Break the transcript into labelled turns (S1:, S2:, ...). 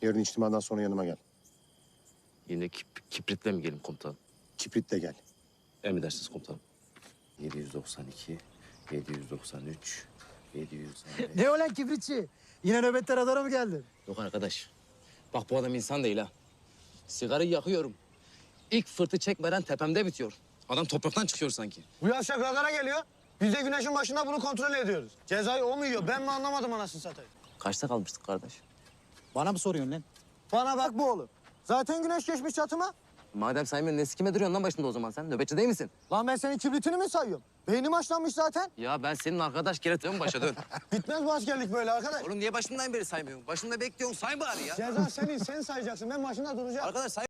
S1: Yarın içtimadan sonra yanıma gel.
S2: Yine kipritle mi gelin komutanım?
S1: Kipritle gel.
S2: Emredersiniz komutanım. 792, 793, 795...
S3: Ne o lan kibritçi? Yine nöbette radara mı geldin?
S2: Yok arkadaş. Bak bu adam insan değil ha. Sigarayı yakıyorum. İlk fırtı çekmeden tepemde bitiyor. Adam topraktan çıkıyor sanki.
S4: Bu yavşak radara geliyor. Biz de güneşin başında bunu kontrol ediyoruz. Cezayı o mu yiyor? Ben mi anlamadım anasını satayım.
S2: Kaçta kalmıştık kardeş?
S3: Bana mı soruyorsun lan?
S4: Bana bak bu oğlum. Zaten güneş geçmiş çatıma.
S2: Madem saymıyorsun ne sikime duruyorsun lan başında o zaman sen? Nöbetçi değil misin?
S4: Lan ben senin kibritini mi sayıyorum? Beynim haşlanmış zaten.
S2: Ya ben senin arkadaş geri dön başa dön.
S4: Bitmez bu askerlik böyle arkadaş.
S2: Oğlum niye başından beri saymıyorsun? Başında bekliyorsun say bari ya.
S4: Ceza senin, sen sayacaksın. Ben başında duracağım.
S2: Arkadaş say.